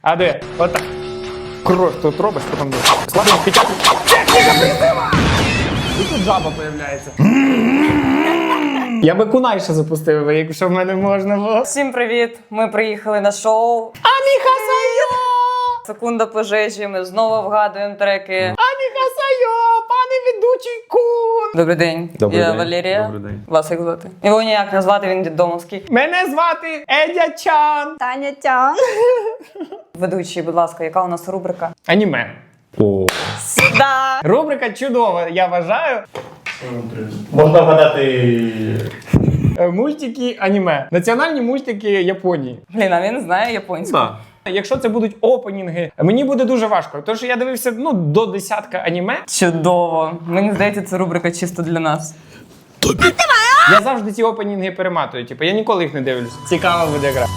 А де? Отак. Кров тут робиш, потім складемо печатку. Техніка призива! І тут жаба появляється. Я би кунай ще запустив, якщо в мене можна було. Всім привіт! Ми приїхали на шоу Аміха Сайо! Секунда пожежі. Ми знову вгадуємо треки. Аміха Сайо! Пане ведучий кун! Добрий день. Добрий Я день. Валерія. Добрий день. Вас як звати? Його ніяк не звати, він дідомовський. Мене звати Едя Чан. Таня Тян. Ведучий, будь ласка, яка у нас рубрика? Аніме. О. Да. Рубрика чудова, я вважаю. Можна вгадати. Мультики аніме. Національні мультики Японії. Блін, а він знає японську. Да. Якщо це будуть опенінги, мені буде дуже важко. Тому що я дивився до десятка аніме. Чудово. Мені здається, це рубрика чисто для нас. Я завжди ці опенінги перематую. Типу, я ніколи їх не дивлюсь. Цікава буде гра.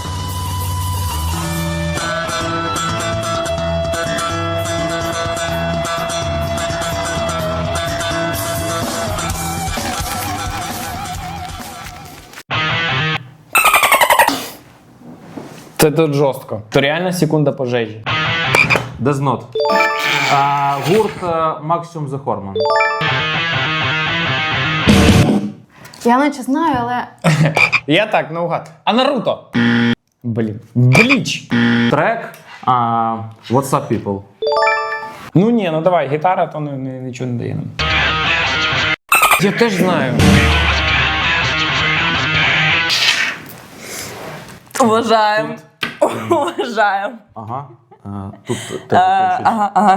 Це тут жорстко. То реально секунда пожежі. Death Note. Гурт Maximum The Hormone. Я наче знаю, але Я так, наугад. А Наруто? Блін. Бліч. Трек What's Up People. Ну ні, ну давай, гітара, то нічого не дає нам. Я теж знаю. Уважаємо. Уважаємо. Ага. Тут тебе щось. Ага.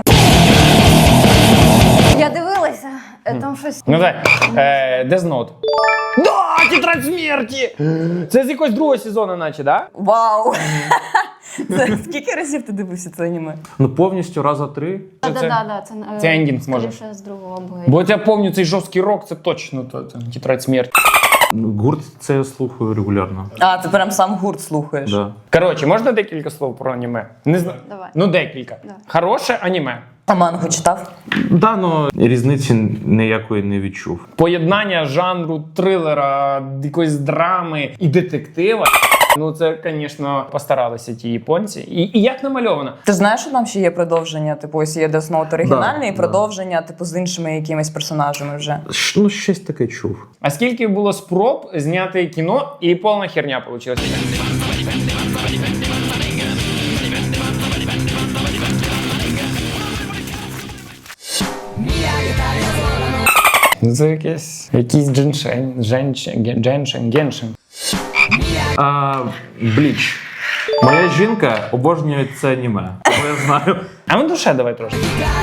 я дивилася, там щось. Ну так, Death Note. Да, тетрадь смерті! Це з якогось другого сезону, наче, да? Вау. Це скільки разів ти дивився це аніме? Ну повністю раза 3. Да, Це ендінг, може. скоріше з другого бою. Бо я пам'ятаю цей жорсткий рок, це точно це тетрадь смерті. Гурт це я слухаю регулярно. А, ти прям сам гурт слухаєш. Да. Коротше, можна декілька слов про аніме? Не знаю. Давай. Ну, декілька. Да. Хороше аніме. А мангу читав? Да, ну різниці ніякої не відчув. Поєднання жанру трилера, якоїсь драми і детектива. Ну, це, звісно, постаралися ті японці. І як намальовано. Ти знаєш, що там ще є продовження? Типу, ось є Death Note оригінальний, і Да. продовження, типу, з іншими якимись персонажами вже. Ну, щось таке чув. А скільки було спроб зняти кіно, і повна херня вийшла. Це якийсь геншин. Бліч. Моя жінка обожнює це аніме. Тому я знаю. А ми душе давай трошки.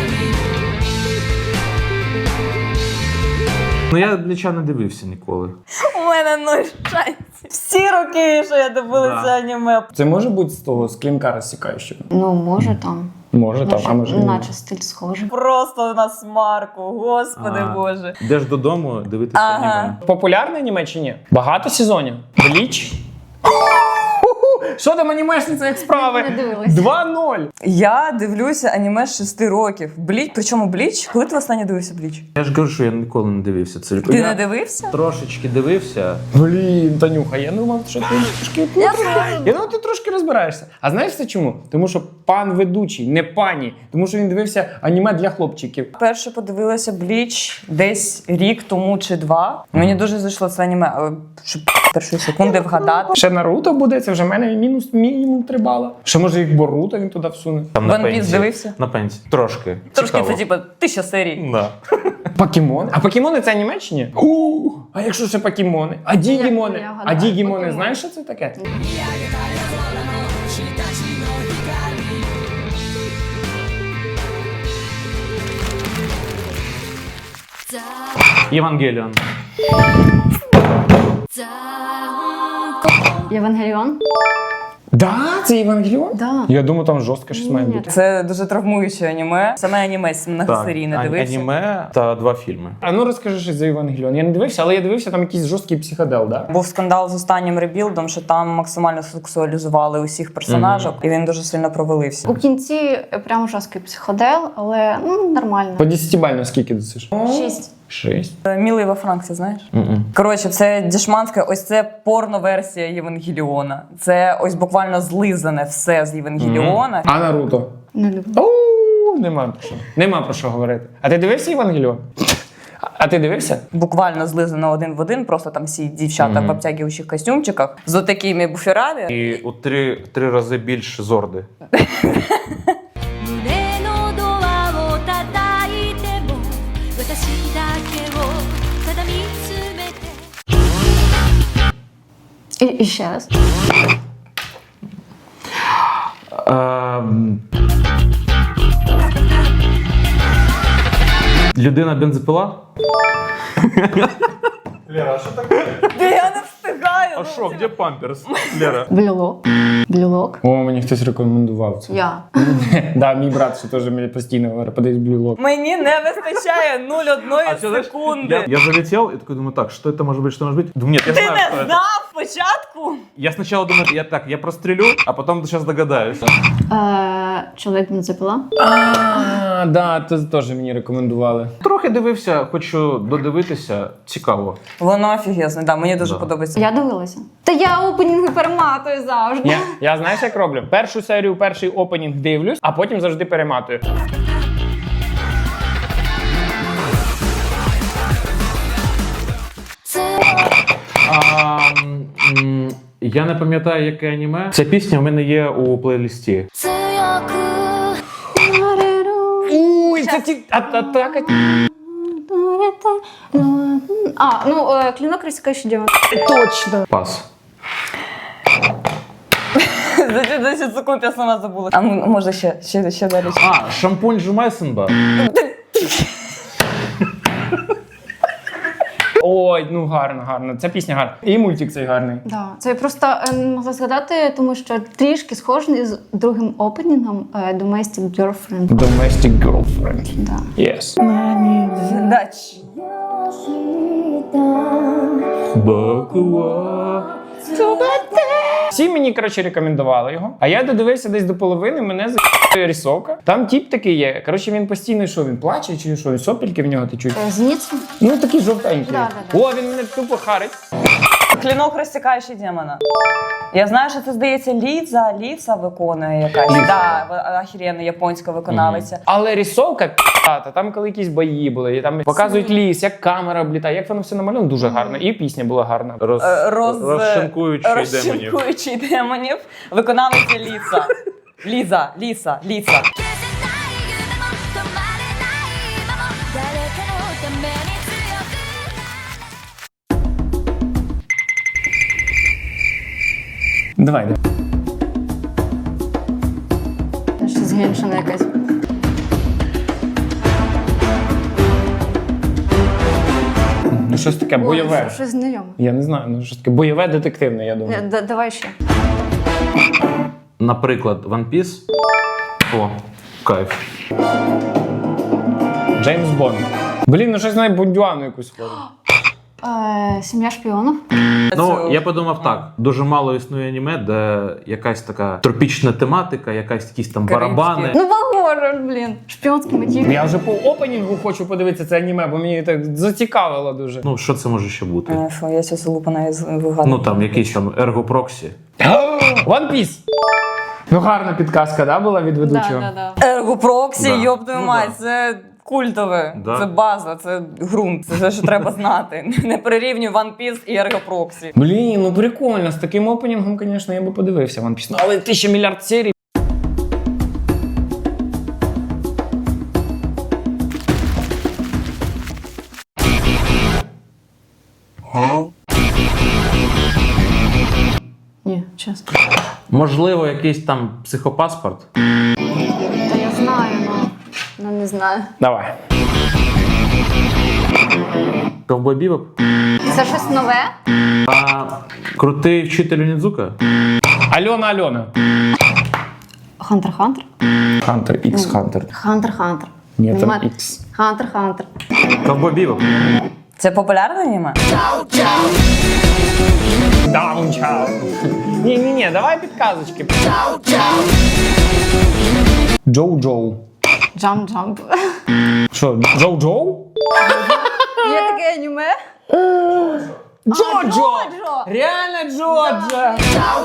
Ну я Бліча не дивився ніколи. У мене нуль шансів. Всі роки, що я дивилася Да. аніме. Це може бути з того, з клінка розсікаючого? Ну, може там. Може там, а може ні. наче стиль схожий. Просто на смарку, господи боже. Йдеш додому дивитися Ага. аніме. Популярне аніме чи ні? Багато сезонів? Бліч? Що там анімешниця, як справи? Не дивилась. 2-0. Я дивлюся аніме з 6 років. Бліч, причому Бліч? Коли ти останнє дивився Бліч? Я ж кажу, що я ніколи не дивився. Це Ти я не дивився? трошечки дивився. Блін, Танюха, я думав, що ти трошки... Я думав, ти трошки розбираєшся. А знаєш це чому? Тому що пан ведучий, не пані. Тому що він дивився аніме для хлопчиків. Перше подивилася Бліч десь рік тому чи 2. Мені дуже зайшло це аніме, але щоб першої секунди вгадати. Ще Наруто буде, це вже в мене мінімум 3 бала. Ще може як Боруто він туди всуне. Там One Piece дивився? На пенсії. Трошки. Трошки Цікаво. це типу 1000 серій. Да. Покемони? А покемони це аніме чи ні? А якщо ще покемони? А дігімони? Я А гадаю, дігімони, покемони. знаєш, що це таке? Євангеліон. Євангеліон? Да, це Євангеліон? Да. Я думаю, там жорстко щось має Ні. бути. Це дуже травмуюче аніме. Саме аніме многосерійне дивився. Аніме та 2 фільми. А ну розкажи щось за Євангеліон. Я не дивився, але я дивився, там якийсь жорсткий психодел, да? Був скандал з останнім ребілдом, що там максимально сексуалізували усіх персонажок, і він дуже сильно провалився. У кінці прям жорсткий психодел, але ну, нормально. По 10-бально скільки досиш? 6. 6. Мілий во Франксі, знаєш? Коротше, це дешманська, ось це порно-версія Євангеліона. Це ось буквально злизане все з Євангеліона. А Наруто? Не люблю. Оу, нема про що. Нема про що говорити. А ти дивився Євангеліон? А ти дивився? Буквально злизано один в один, просто там всі дівчата в обтягуючих костюмчиках з отакими буферами. І у три рази більше зорди. 胸のドアを叩いても私だけをただ見つめて І ще раз. Людина бензопила? Я не встигаю. А що, де памперс? Лера. Блюлок. Блюлок. О, мені хтось рекомендував це. Я. Да, мій брат ще теж мені постійно говорить, подивись блюлок. Мені не вистачає 0,1 секунди. Я залетел и такой думаю, так, что это может быть, что может быть? Думаю, нет, я Ти знаю, что не это. знав спочатку? Я сначала думаю, я прострелю, а потом сейчас догадаюсь. Чоловік бензопила. А, да, це теж мені рекомендували. Трохи дивився, хочу додивитися, цікаво. Воно офігезне, да, мені дуже Да. подобається. Я дивилася. Та я опенінги перематую завжди. Я знаєш, як роблю? Першу серію, перший опенінг дивлюсь, а потім завжди перематую. Я не пам'ятаю, яке аніме. Ця пісня в мене є у плейлісті. 強く Уй, це ті атака. Клинок рассекающий демон. Точно. Пас. За ці 10 секунд я сама забула. А ну, може ще далі. А, шампунь Жумайсенба. Ой, ну гарно. Ця пісня гарна. І мультик цей гарний. Да. Це я просто не могла згадати, тому що трішки схожий з другим опенінгом Domestic Girlfriend. Domestic Girlfriend. Да. Yes. Дач. Всі мені, коротше, рекомендували його. А я додивився десь до половини, мене за***є рисовка. Там тіп такий є. Коротше, він постійно, що він плаче, чи що, сопельки в нього течуть. Зеніця? Ну, такий жовтенький. Да. О, він мене тупо харить. Клінок розсікаючий демона. Я знаю, що це, здається, Ліца виконує якась. Ліца. Да, охеренна японська виконавиця. Але рисовка п'ята, там коли якісь бої були, і там показують ліс, як камера облітає, як воно все намальовано, дуже гарно. І пісня була гарна. Розшинкуючий демонів. Розшинкуючий демонів. Виконавиця Ліца. Ліца. 消せない夢も止まれない今も誰かのために強く Давай. Щось геншина якась. Ну, щось таке бойове. Щось знайоме. Я не знаю, ну щось таке бойове детективне, я думаю. Давай ще. Наприклад, One Piece. О, кайф. Джеймс Бонд. Блін, ну щось на Бондюану якусь схоже. Сім'я шпіонів. Ну, я подумав так, дуже мало існує аніме, де якась така тропічна тематика, якісь там Карибські. барабани. Ну, похоже, блін. Шпіонський мотив. Я вже по опенінгу хочу подивитися це аніме, бо мені так зацікавило дуже. Ну, що це може ще бути? Фу, я цю лупана вигадую. Ну, там якийсь там Ergo-Proxy. One Piece! Ну, гарна підказка, да, була від ведучого? Да. Ерго Проксі, Да. йоб твою Ну, мать, да. це культове, Да. це база, це ґрунт, це все, що треба знати. Не прирівнюй One Piece і Ерго Проксі. Блін, ну прикольно, з таким опенінгом, звісно, я би подивився One Piece. Ну, але 1000 мільярд серій. Ні, чесно. Можливо, якийсь там психопаспорт. Та я знаю, але не знаю. Давай. Ковбой Бібоп. Це щось нове? А крутий вчитель Нідзука. Альона. Хантер-Хантер? Хантер, Ікс Хантер. Хантер-Хантер. Ні, там Нема- Ікс. Хантер-Хантер. Ковбой Бібоп. Це популярне аніме? Даунчау. Ні, давай підказочки. Джоу-Джоу. Джамп-джамп. Що, Джоу-Джоу? Є таке аніме? Джоджо! Джоджо! Реально Джоджо!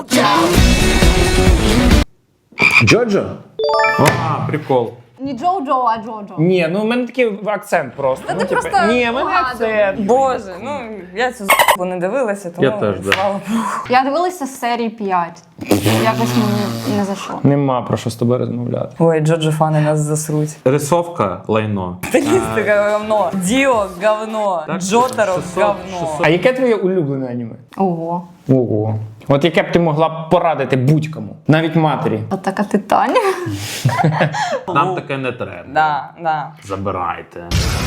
Джоджо? А, прикол. Не Джоджо, а Джоджо. Ні, ну в мене такий акцент просто. Та ну, ти типу, просто ні, в мене погано. акцент. Боже, ну я цю з***у не дивилася, тому Я теж, да. слава Богу. Я дивилася з серії 5. Якось мені не зайшло. Нема про що з тобою розмовляти. Ой, Джоджо фани нас засруть. Рисовка лайно. Стилістика говно. Діо говно. Так, Джотаро 600, говно. 600. А яке твоє улюблене аніме? Ого. Ого. От яке б ти могла б порадити будь-кому, навіть матері. Атака титанів. Нам таке не треба. Да, да. Забирайте.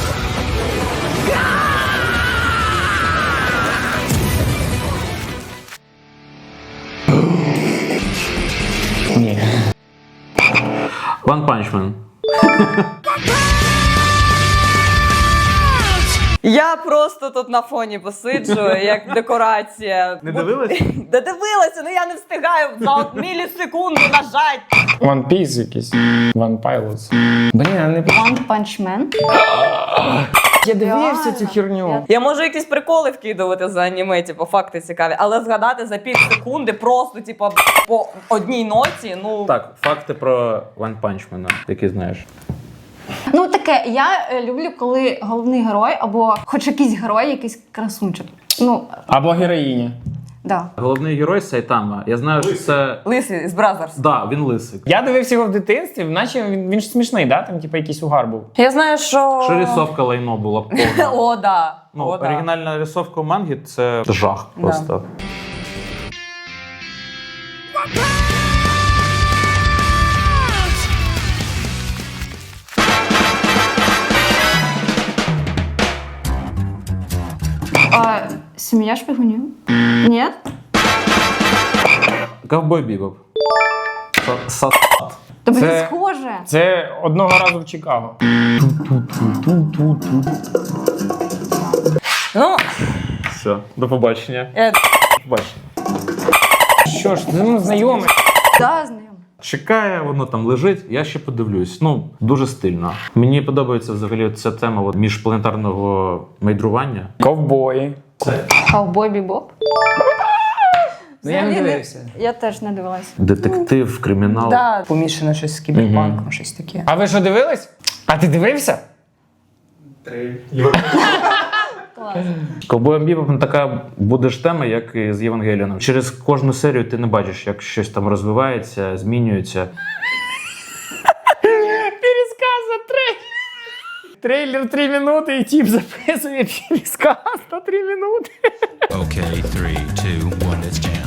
Ні. One Punch Man. Я просто тут на фоні посиджу, як декорація. Не дивилась? Да дивилася, ну я не встигаю за от мілісекунду нажать. One Piece якийсь. One Pilots. Блін, а не... One Punch Man. Я дивився цю херню. Я можу якісь приколи вкидувати за аніме, типу, факти цікаві, але згадати за пів секунди просто, типу, по одній ноті, ну... Так, факти про One Punch Man, які знаєш. Ну таке, я люблю, коли головний герой або хоч якийсь герой, якийсь красунчик. Ну, Або героїня. да. Головний герой Сайтама. Я знаю, що це... Лисий з Бразерс. Да, він лисий. Я дивився його в дитинстві, наче він ж смішний, да? Там типу якийсь угар був. Я знаю, що... Що рисовка лайно була б повна. О, да. Ну, О, да. оригінальна рисовка в мангі – це жах просто. А, Сім'я шпигунів? Ні? Ковбой Бібоп. Тобі Це- не схоже. Це одного разу в Чикаго. Ну, Все, до побачення. я... Побачення. Що ж, ну знайомий. Да, знайомо. Чекає, воно там лежить, я ще подивлюсь. Ну, дуже стильно. Мені подобається взагалі ця тема от, міжпланетарного майдрування. Ковбої. Ковбой Бібоп? Ну я не Взагалі дивився. Я теж не дивилася. Детектив, кримінал. Да, помішано щось з кіберпанком, щось таке. А ви що дивились? А ти дивився? Ковбой Бібоп така буде ж тема, як і з Євангеліоном. Через кожну серію ти не бачиш, як щось там розвивається, змінюється. Пересказ за 3. Трейлер 3 минути і тип записує пересказ на 3 минути. Okay, 3, 2, 1, let's jam.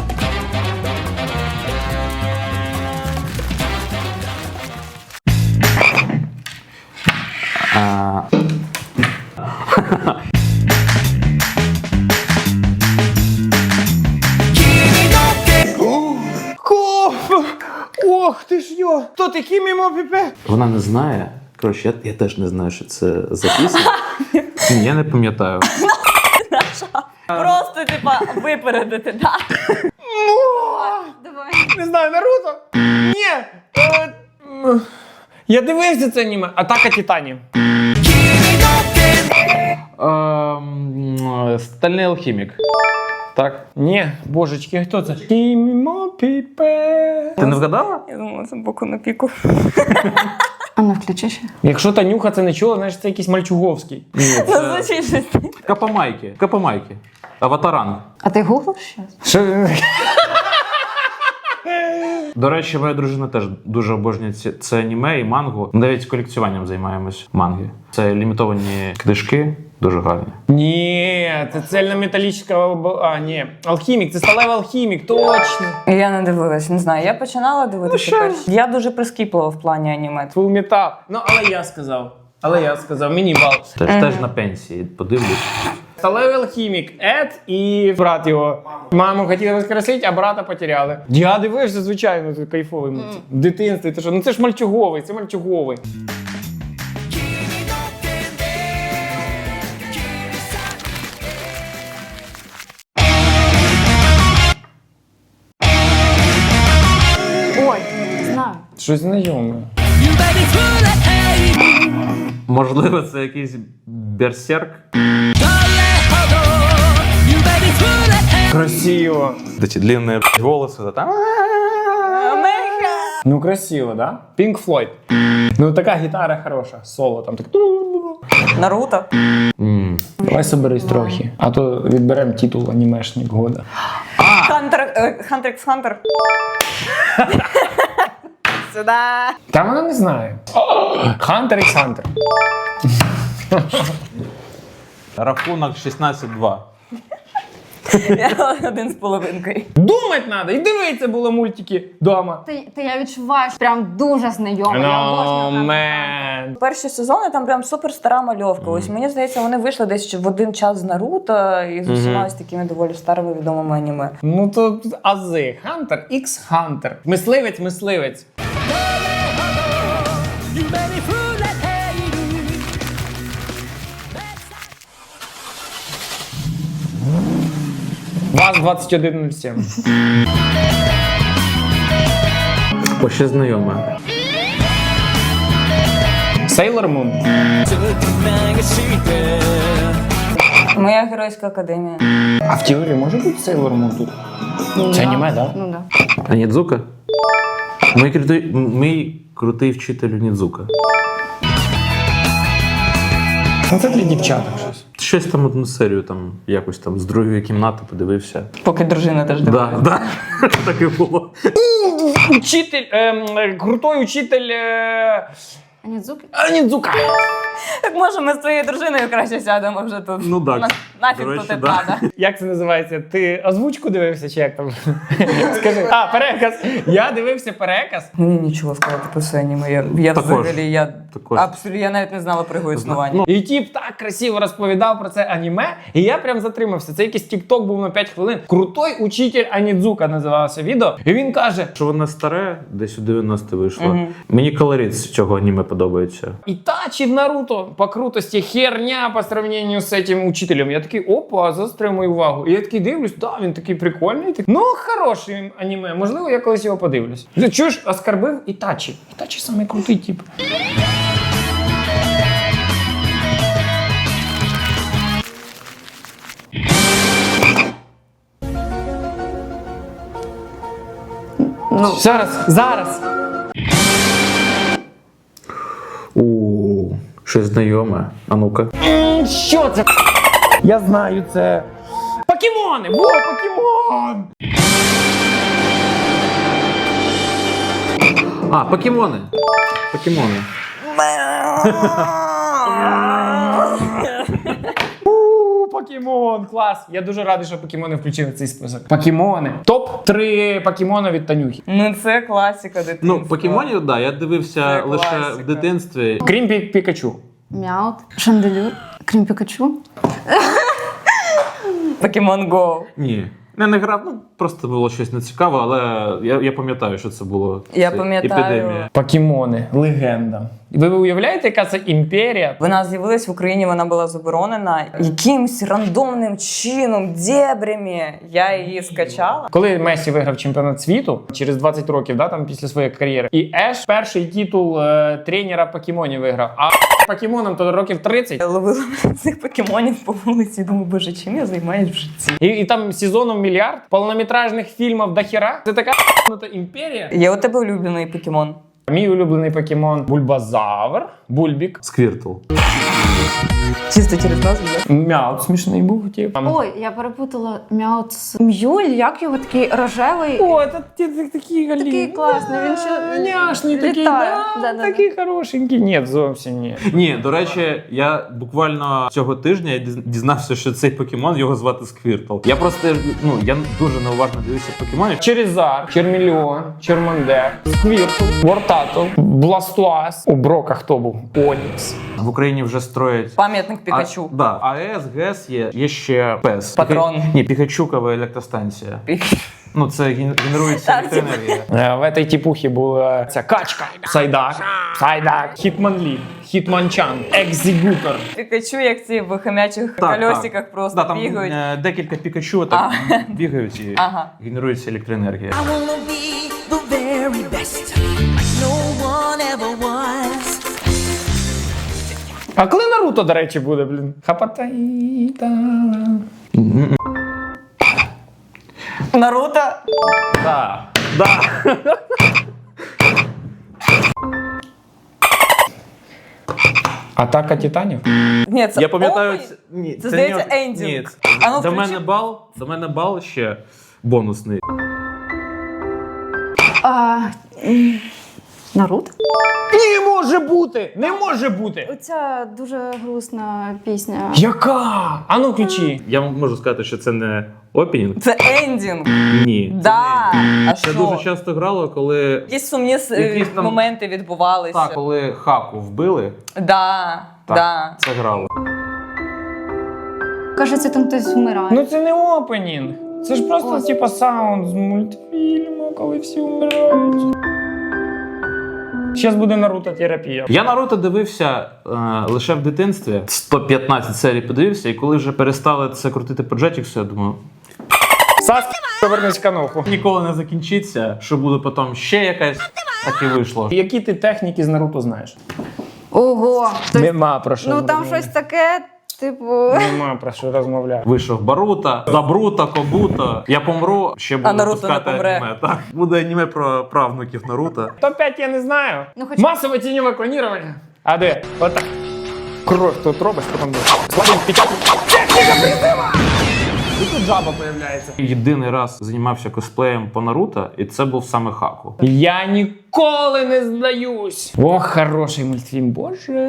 Ох ти ж йо! Хто такий мімо піпе? Вона не знає. Коротше, я теж не знаю, що це за пісня. Ні, я не пам'ятаю. Просто, типа, випередити, да. Давай. Не знаю, Наруто? Ні! Я дивився це аніме. Атака Титанів. Стальний алхімік. Так? Ні, божечки, хто це? Мімо піпе. Ти не вгадала? Я думала, це боку на піку. А ну включи ще. Якщо Танюха це не чула, значить це якийсь Мальчуговський. Ні, Ну, це звучить щось. Капамайки. Капамайки. Аватаранг. А ти гуглив щас? Що? До речі, моя дружина теж дуже обожнює це аніме і мангу. Ми навіть колекціюванням займаємось манги. Це лімітовані книжки, дуже гарні. Ні, це цельнометалічна... А, ні. Алхімік, це сталевий алхімік, точно. Я не дивилась, не знаю. Я починала дивитися що? перш. Я дуже прискіплива в плані аніме. Фул метал. Ну, але я сказав, мені бал. Теж на пенсії, подивлюсь. Сталевий алхімік, Ед і брат його. Маму хотіли воскресити, а брата потеряли. Я дивився, звичайно, це кайфовий мультик. В дитинстві, ти що? Ну це ж Мальчуговий, це Мальчуговий. Ой, знаю. Щось знайоме. Можливо, це якийсь берсерк. Красиво. Эти длинные волосы, да, там. Ну, красиво, да? Pink Floyd. Ну, така гітара хороша, соло там так. Наруто. Давай соберись трохи, а то відберемо титул анімешник года. Хантер ікс Хантер. Сюда. Та вона не знає. Хантер ікс Хантер. Рахунок 16-2. Я 1,5. Думать треба, і дивитися було мультики вдома. Та я відчуваю, що прям дуже знайома. Я обожнюю Хантер ікс Man. Перші сезони там прям супер стара мальовка. Ось мені здається, вони вийшли десь в один час з Наруто і з усіма ось такими доволі старими відомими аніме. Ну то ази. Хантер ікс Хантер. Мисливець. ВАЗ 2107. О, ще знайоме. Sailor Moon. Моя геройська академія. А в теорії може бути Sailor Moon тут? Це аніме, так? Ну да. Онідзука? Мій крутий вчитель Онідзука. Ну це для дівчаток щось. Щось там одну серію там якось там з другої кімнати подивився. Поки дружина теж дивилася. Да. Так і було. Учитель, крутой учитель Анідзуки? Анідзука. Так може ми з твоєю дружиною краще сядемо вже тут. Ну так. Нафіг До речі, тут і да. правда. Як це називається? Ти озвучку дивився чи як там? Скажи. А, переказ. Я дивився переказ. Мені нічого сказати про це аніме. Я Також. взагалі, я Також. абсолютно, я навіть не знала про його існування. І тіп так красиво розповідав про це аніме, і я прям затримався. Це якийсь тік-ток був на 5 хвилин. Крутой учитель Анідзука називалося відео. І він каже: Що воно старе, десь у 90 вийшло. Мені колорит з цього аніме подобається. Ітачі в Наруто по крутості херня по сравненню з цим учителем. Я такий, опа, заострив мою увагу. І я такий дивлюсь, да, він такий прикольний. Так, ну, хороший аніме, можливо, я колись його подивлюсь. Ти чуєш, оскарбив Ітачі. Ітачі самий крутий тип. Ну, Зараз. Щось знайоме. А ну-ка. Що це? Я знаю, це покемони! Во, покемон! А, покемони. Покемон, клас! Я дуже радий, що покемони включили в цей список. Покемони. Топ-3 покемона від Танюхи. ну це класика дитинства. Ну, покемонів, да, я дивився Це лише класика. в дитинстві. Крім Пікачу. Мяут. Шанделюр. Крім Пікачу. Покемон Go. Ні. Не грав, ну просто було щось нецікаве, але я пам'ятаю, що це було. Я Це пам'ятаю. епідемія. Покемони. Легенда. Ви уявляєте, яка це імперія? Вона з'явилась в Україні, вона була заборонена. Якимсь рандомним чином, дебрями я її скачала. Коли Месі виграв чемпіонат світу через 20 років, да, там після своєї кар'єри, і Еш перший титул тренера покемонів виграв. А покемоном то років 30. Я ловила цих покемонів по вулиці, думаю, боже, чим я займаюсь в житті? І там сезонів мільярд, повнометражних фільмів до хіра. Це така імперія. Є у тебе улюблений покемон? Мій улюблений покемон Бульбазавр, Бульбік. Сквіртл. Чисто через назву, да? Мяут смішний був, тип. Ой, я перепутала Мяут з М'юль, як його такий рожевий. О, це такий галін. Такий класний, він ще няшний, такий, літає. да, Да-да-да. такий хорошенький. Ні, зовсім ні. Ні, до речі, я буквально цього тижня дізнався, що цей покемон, його звати Сквіртл. Я просто, я дуже неуважно дивився покемонів. Черезар, Чермільон, Чермандер, Сквіртл, Вортатл, Бластуас. У Брока хто був? Онікс. В Україні вже строять Пам'ятник Пікачу. Да. АЕС, ГЕС є ще ПЕС. Патрон. Ні, Пікачукова електростанція. Ну, це генерується Так, електроенергія. В этой типухі була ця качка, Сайдак, Хітманлі, Хітманчан, Екзігутор. Пікачу, як ці в хомячих колесиках просто там бігають. Декілька Пікачу так бігають і Ага. генерується електроенергія. I wanna be the very best, like no one ever was. А коли Наруто, до речі, буде, блін? Хапатаїта. Наруто? Да. Да. Атака титанів? Ні, це Я пам'ятаю, опенінг? ні, Це, здається, не- ендінг. Ні, А ну, до включи. мене бал ще бонусний. Наруто? Не може бути! Не може бути! Оця дуже грустна пісня. Яка? А ну включи. Я вам можу сказати, що це не опенінг. Це ендінг. Ні. Да. А Це що? дуже часто грало, коли Якісь сумні Якісь там- моменти відбувалися. так, коли хаку вбили, Да. так, Да. це грало. Кажеться, там хтось вмирає. Ну це не опенінг. Це ж просто типа саунд з мультфільму, коли всі вмирають. Зараз буде Наруто-терапія. Я Наруто дивився лише в дитинстві. 115 серій подивився, і коли вже перестали це крутити по Jetix, я думаю, Саски, повернись в каноху. ніколи не закінчиться, що буде потім ще якась, так і вийшло. Які ти техніки з Наруто знаєш? Ого. Нема про що Ну там розмовляти. щось таке, типу. Нема про що розмовляти. Вийшов Баруто, Забруто, Кобуто. Я помру, ще буду Наруто випускати не помре. аніме. Так. Буде аніме про правнуків Наруто. Топ-5 я не знаю. Ну, хоч- Масове тіньове клонування. А де? Отак. Кров тут робиш, потім буде. Слабий печатку. Техніка призива! І тут жаба появляється. Єдиний раз займався косплеєм по Наруто, і це був саме Хаку. Я ніколи не здаюсь. Ох, хороший мультфільм, боже.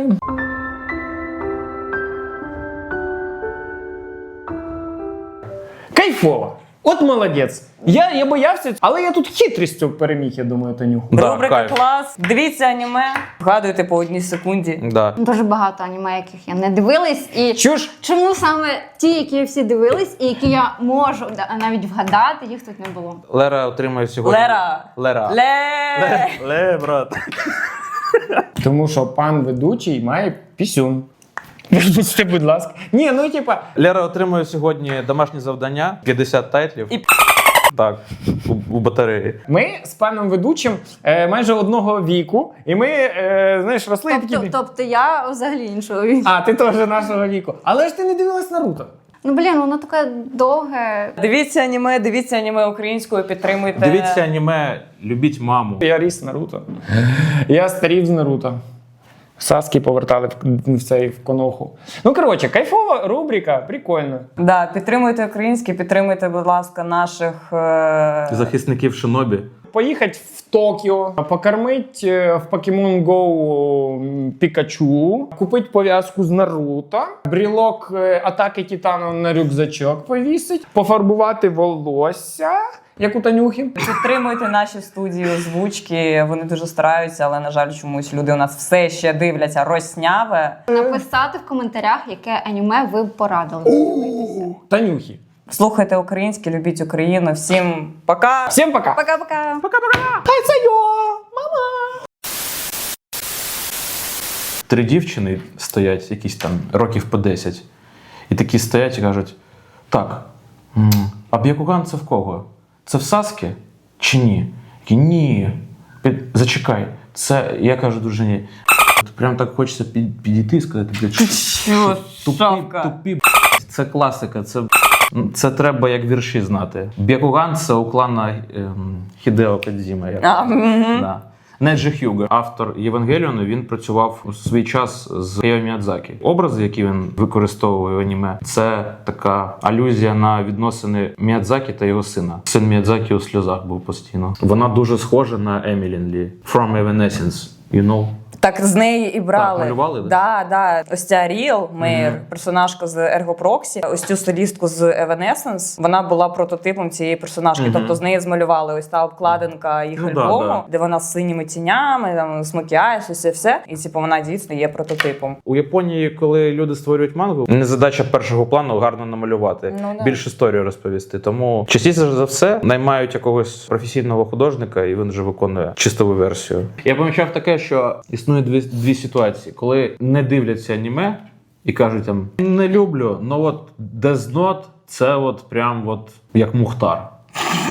Кайфово. От молодець. Я боявся, але я тут хитрістю переміг, я думаю, Танюху. Рубрика клас. Дивіться аніме. Вгадуйте по одній секунді. Да. Дуже багато аніме, яких я не дивилась. І Чуш? чому саме ті, які всі дивились, і які я можу навіть вгадати, їх тут не було. Лера отримує сьогодні. Лера. Ле, брат. Тому що пан ведучий має пісюн. Вибачте, будь ласка. Ні, ну типа, Лера отримує сьогодні домашнє завдання, 50 тайтлів. І Так, у батареї. ми з паном ведучим майже одного віку, і ми, знаєш, росли і такі. Тобто я взагалі іншого віку. А, ти теж нашого віку. Але ж ти не дивилась Наруто. Ну блін, воно таке довге. дивіться аніме українською, підтримуйте. Дивіться аніме, любіть маму. Я ріс Наруто. Я старів з Наруто. Саски повертали в цей в коноху. Ну, коротше, кайфова рубрика, прикольно. Да, підтримуйте українське, підтримуйте, будь ласка, наших Захисників Шинобі. Поїхати в Токіо, покормить в Pokemon Go Пікачу, купити пов'язку з Наруто, брілок атаки Титану на рюкзачок повісить, пофарбувати волосся, як у Танюхи. Підтримуйте наші студії озвучки. Вони дуже стараються, але, на жаль, чомусь люди у нас все ще дивляться росняве. Написати в коментарях, яке аніме ви б порадили подивитися. Танюхи. Слухайте українське, любіть Україну. Всім пока! Всім пока! Пока-пока. Три дівчини стоять, якісь там років по 10. І такі стоять і кажуть: так, а Б'якуган це в кого? Це в Саскі чи ні? Такі, ні. Зачекай, це, я кажу дружині, прям так хочеться підійти і сказати, блядь, Що, тупі, це класика, це треба як вірші знати. Б'якуган це у клана Хідео Кодзіма. Да. Неджі Хьюго, автор Євангеліону, він працював у свій час з Хаяо Міядзакі. Образи, які він використовує в аніме, це така алюзія на відносини Міядзакі та його сина. Син Міядзакі у сльозах був постійно. Вона дуже схожа на Емілін Лі. From Evanescence, you know? Так з неї і брали. Так, малювали, Да. Ось ця Ріл Мейер, персонажка з Ergo Proxy, ось цю стилістку з Evanescence, вона була прототипом цієї персонажки. Тобто з неї змалювали ось та обкладинка їх альбому, да. де вона з синіми тінями, там з макіяж, все. І типу вона дійсно є прототипом. У Японії, коли люди створюють мангу, не задача першого плану гарно намалювати, Ну, да. більш історію розповісти. Тому частіше за все наймають якогось професійного художника, і він вже виконує чистову версію. Я помічав таке, що існує дві ситуації, коли не дивляться аніме і кажуть там не люблю, ну от Death Note це от прям от як Мухтар.